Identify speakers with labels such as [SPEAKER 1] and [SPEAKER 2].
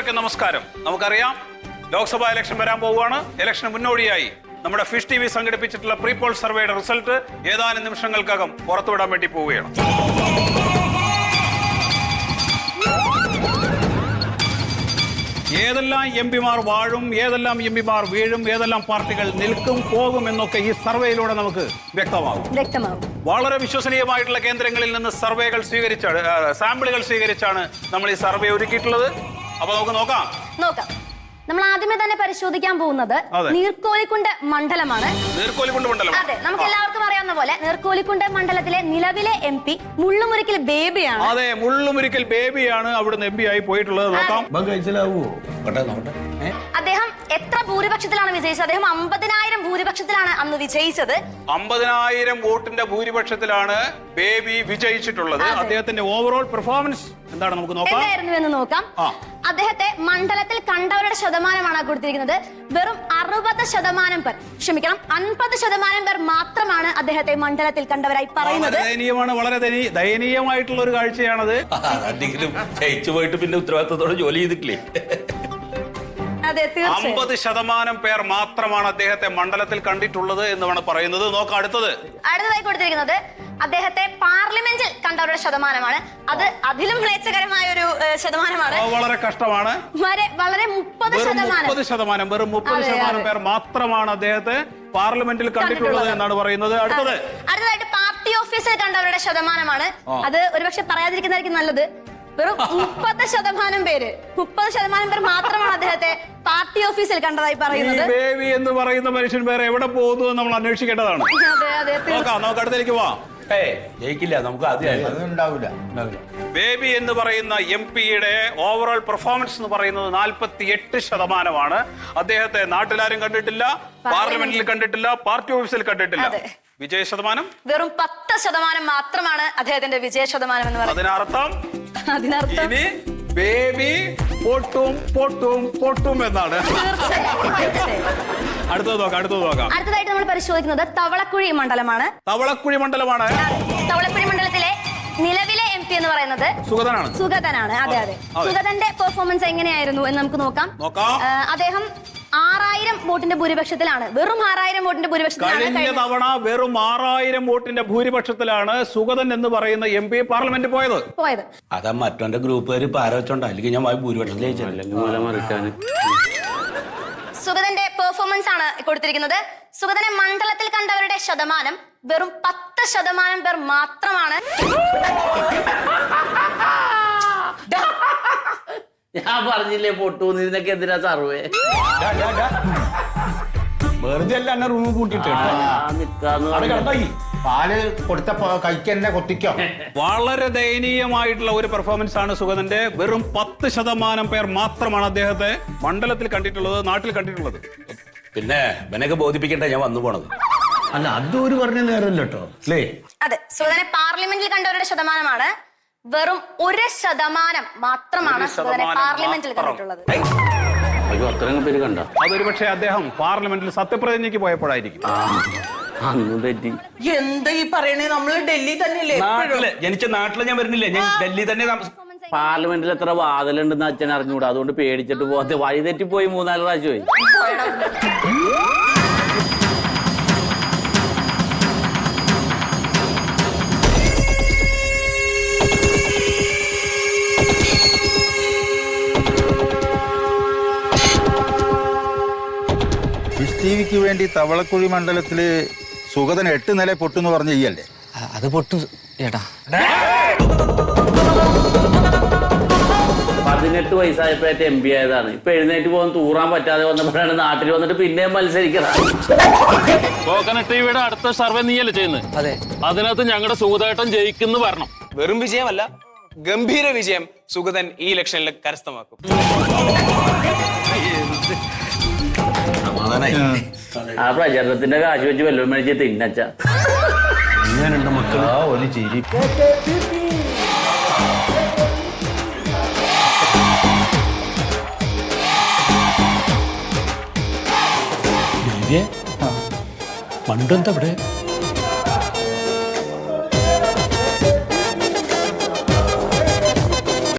[SPEAKER 1] എല്ലാവർക്കും നമസ്കാരം. നമുക്കറിയാം ലോക്സഭാ ഇലക്ഷൻ വരാൻ പോവുകയാണ്. ഇലക്ഷന് മുന്നോടിയായി നമ്മുടെ ഫിഷ് ടി വി സംഘടിപ്പിച്ചിട്ടുള്ള പ്രീപോൾ സർവേയുടെ റിസൾട്ട് ഏതാനും നിമിഷങ്ങൾക്കകം പുറത്തുവിടാൻ വേണ്ടി പോവുകയാണ്. ഏതെല്ലാം എംപിമാർ വാഴും, ഏതെല്ലാം എംപിമാർ വീഴും, ഏതെല്ലാം പാർട്ടികൾ നിൽക്കും പോകും എന്നൊക്കെ ഈ സർവേയിലൂടെ നമുക്ക് വ്യക്തമാകും. വളരെ വിശ്വസനീയമായിട്ടുള്ള കേന്ദ്രങ്ങളിൽ നിന്ന് സാമ്പിളുകൾ സ്വീകരിച്ചാണ് നമ്മൾ ഈ സർവേ ഒരുക്കിയിട്ടുള്ളത്. അപ്പൊ നമുക്ക് നോക്കാം.
[SPEAKER 2] നമ്മൾ ആദ്യമേ തന്നെ പരിശോധിക്കാൻ പോകുന്നത് നീർക്കോലിക്കുണ്ട് മണ്ഡലമാണ്. അതെ, നമുക്ക് എല്ലാവർക്കും അറിയാവുന്ന പോലെ നീർക്കോലിക്കുണ്ട് മണ്ഡലത്തിലെ നിലവിലെ MP മുള്ളുമുരിക്കൽ ബേബിയാണ്.
[SPEAKER 1] അതെ, മുള്ളുമുരിക്കൽ ബേബിയാണ് അവിടുന്ന് MP ആയി പോയിട്ടുള്ളത്. നോക്കാം.
[SPEAKER 2] അദ്ദേഹം എത്ര ഭൂരിപക്ഷത്തിലാണ് വിജയിച്ചത്? അദ്ദേഹം 50,000 ഭൂരിപക്ഷത്തിലാണ് അന്ന് വിജയിച്ചത്.
[SPEAKER 1] 50,000 വോട്ടിന്റെ ഭൂരിപക്ഷത്തിലാണ് ബേബി വിജയിച്ചിട്ടുള്ളത്. അദ്ദേഹത്തിന്റെ ഓവറോൾ പെർഫോമൻസ് എന്താണ് നമുക്ക്
[SPEAKER 2] എന്തായിരുന്നു എന്ന് നോക്കാം. അദ്ദേഹത്തെ മണ്ഡലത്തിൽ കണ്ടവരുടെ ശതമാനമാണ് കൊടുത്തിരിക്കുന്നത്. വെറും 60% പേർ, ക്ഷമിക്കണം 50% പേർ മാത്രമാണ് അദ്ദേഹത്തെ മണ്ഡലത്തിൽ കണ്ടവരായി പറയുന്നത്.
[SPEAKER 1] വളരെ ദയനീയമായിട്ടുള്ള ഒരു കാഴ്ചയാണത്.
[SPEAKER 3] ജയിച്ചു പോയിട്ട് പിന്നെ ഉത്തരവാദിത്തത്തോടെ ജോലി ചെയ്തിട്ടില്ലേ?
[SPEAKER 1] 50% പേർ മാത്രമാണ് അദ്ദേഹത്തെ മണ്ഡലത്തിൽ കണ്ടിട്ടുള്ളത് എന്നാണ് പറയുന്നത്. നോക്കാം
[SPEAKER 2] അടുത്തതായി കൊടുത്തിരിക്കുന്നത് അദ്ദേഹത്തെ പാർലമെന്റിൽ കണ്ടവരുടെ ശതമാനമാണ്. അത് അതിലും മ്ലേച്ഛകരമായ ഒരു ശതമാനമാണ്.
[SPEAKER 1] വളരെ കഷ്ടമാണ്.
[SPEAKER 2] വളരെ 30%,
[SPEAKER 1] വെറും 30% പേർ മാത്രമാണ് അദ്ദേഹത്തെ പാർലമെന്റിൽ കണ്ടിട്ടുള്ളത് എന്നാണ് പറയുന്നത്.
[SPEAKER 2] അടുത്തതായിട്ട് പാർട്ടി ഓഫീസിൽ കണ്ടവരുടെ ശതമാനമാണ്. അത് ഒരുപക്ഷെ പറയാതിരിക്കുന്നതായിരിക്കും നല്ലത്. വെറും 30% പേർ മാത്രമാണ് അദ്ദേഹത്തെ പാർട്ടി ഓഫീസിൽ കണ്ടതായി പറയുന്നത്.
[SPEAKER 1] ബേബി എന്ന് പറയുന്ന മനുഷ്യൻ വേറെ എവിടെ പോകുന്നു എന്ന് നമ്മൾ അന്വേഷിക്കേണ്ടതാണ്. നമുക്ക് അടുത്തേക്ക് പോവാം.
[SPEAKER 3] ജയിക്കില്ല, നമുക്ക്
[SPEAKER 1] ബേബി എന്ന് പറയുന്ന MP-യുടെ ഓവറോൾ പെർഫോമൻസ് എന്ന് പറയുന്നത് 48%. അദ്ദേഹത്തെ നാട്ടിലാരും കണ്ടിട്ടില്ല, പാർലമെന്റിൽ കണ്ടിട്ടില്ല, പാർട്ടി ഓഫീസിൽ കണ്ടിട്ടില്ല. വിജയ ശതമാനം
[SPEAKER 2] വെറും 10% മാത്രമാണ് അദ്ദേഹത്തിന്റെ വിജയ ശതമാനം എന്ന് പറയുന്നത്.
[SPEAKER 1] അതിനർത്ഥം ഇനി ബേബി പൊട്ടും എന്നാണ്. അടുത്തത് നോക്കാം.
[SPEAKER 2] അടുത്തതായിട്ട് നമ്മൾ പരിശോധിക്കുന്നത് തവളക്കുഴി മണ്ഡലമാണ്.
[SPEAKER 1] തവളക്കുഴി
[SPEAKER 2] മണ്ഡലത്തിലെ നിലവിലെ MP എന്ന് പറയുന്നത് സുഗതനാണ്. അതെ. സുഗതന്റെ പെർഫോമൻസ് എങ്ങനെയായിരുന്നു എന്ന് നമുക്ക് നോക്കാം. അദ്ദേഹം 6000 വോട്ടിന്റെ ഭൂരിപക്ഷത്തിലാണ്, വെറും 6000 വോട്ടിന്റെ ഭൂരിപക്ഷത്തിലാണ്
[SPEAKER 1] കഴിഞ്ഞ തവണ വെറും 6000 വോട്ടിന്റെ ഭൂരിപക്ഷത്തിലാണ് സുഗതൻ എന്ന് പറയുന്ന MP പാർലമെന്റിൽ പോയത്.
[SPEAKER 3] അതാ മറ്റവന്റെ ഗ്രൂപ്പുകാർ പാരവച്ചോണ്ട, അല്ലെങ്കിൽ ഞാൻ ഭൂരിപക്ഷത്തിലേക്ക്.
[SPEAKER 2] സുഗതന്റെ പെർഫോമൻസ് ആണ് കൊടുത്തിരിക്കുന്നത്. സുഗതനെ മണ്ഡലത്തിൽ കണ്ടവരുടെ ശതമാനം വെറും 10% പേർ മാത്രമാണ്.
[SPEAKER 4] ഞാൻ പറഞ്ഞില്ലേ പൊട്ടൂന്ന്, ഇതിനൊക്കെ എന്തിനാ സർവേ?
[SPEAKER 3] വെറുതെ അല്ല എന്നെ റൂം കൂട്ടിട്ട് പാല് കൊടുത്തപ്പോ കഴിക്കന്നെ കൊത്തിക്കോ.
[SPEAKER 1] വളരെ ദയനീയമായിട്ടുള്ള ഒരു പെർഫോമൻസ് ആണ് സുഗതന്റെ. വെറും 10% പേർ മാത്രമാണ് അദ്ദേഹത്തെ മണ്ഡലത്തിൽ കണ്ടിട്ടുള്ളത്, നാട്ടിൽ കണ്ടിട്ടുള്ളത്.
[SPEAKER 3] പിന്നെ ഇവനൊക്കെ ബോധിപ്പിക്കട്ടെ ഞാൻ വന്നു പോണത്.
[SPEAKER 4] അല്ല, അതൊരു പറഞ്ഞ നേരമല്ലോ കേട്ടോ അല്ലേ?
[SPEAKER 2] അതെ, സുഗതനെ പാർലമെന്റിൽ കണ്ടവരുടെ ശതമാനമാണ് വെറും 1% മാത്രമാണ് സുഗതനെ പാർലമെന്റിൽ കണ്ടിട്ടുള്ളത്.
[SPEAKER 4] അത്രയും പേര് കണ്ട.
[SPEAKER 1] അതൊരു പക്ഷേ അദ്ദേഹം പാർലമെന്റിൽ സത്യപ്രതിജ്ഞയ്ക്ക് പോയപ്പോഴായിരിക്കും.
[SPEAKER 5] എന്താ ഈ പറയണേ? നമ്മള് ഡൽഹി തന്നെയല്ലേ?
[SPEAKER 3] ജനിച്ച നാട്ടില് ഞാൻ വരുന്നില്ലേ, ഞാൻ ഡൽഹി തന്നെ.
[SPEAKER 4] പാർലമെന്റിൽ എത്ര വാതിലുണ്ടെന്ന് അച്ഛൻ അറിഞ്ഞൂടാ, അതുകൊണ്ട് പേടിച്ചിട്ട് പോകാതെ വഴി തെറ്റിപ്പോയി 3-4 പ്രാവശ്യമായി.
[SPEAKER 6] ടിവിക്ക് വേണ്ടി തവളക്കുഴി മണ്ഡലത്തില് സുഗതൻ 8 നില പൊട്ടെന്ന് പറഞ്ഞ ഈയല്ലേ?
[SPEAKER 4] അത് പൊട്ടു ചേട്ടാ. 18 വയസ്സായപ്പോഴത്തെ MP ആയതാണ്. ഇപ്പൊ എഴുന്നേറ്റ് പോകുന്ന തൂറാൻ പറ്റാതെ വന്നപ്പോഴാണ് നാട്ടിൽ വന്നിട്ട് പിന്നെയും മത്സരിക്കണം.
[SPEAKER 7] ടിവിയുടെ അടുത്ത സർവേ നീയല്ലേ ചെയ്യുന്നത്?
[SPEAKER 4] അതെ.
[SPEAKER 7] അതിനകത്ത് ഞങ്ങളുടെ സുഗതേട്ടൻ ജയിക്കുന്നു വരണം.
[SPEAKER 8] വെറും വിജയമല്ല, ഗംഭീര വിജയം സുഗതൻ ഈ ഇലക്ഷനിൽ കരസ്ഥമാക്കും.
[SPEAKER 4] ആ പ്രചരണത്തിന്റെ കാശ് വെച്ച് വല്ലതും മേടിച്ച് തിന്നച്ച.
[SPEAKER 3] അങ്ങനെയുണ്ട് മക്കളാ ഒരു ചിരി.
[SPEAKER 7] മണ്ടെന്താ ഇവിടെ?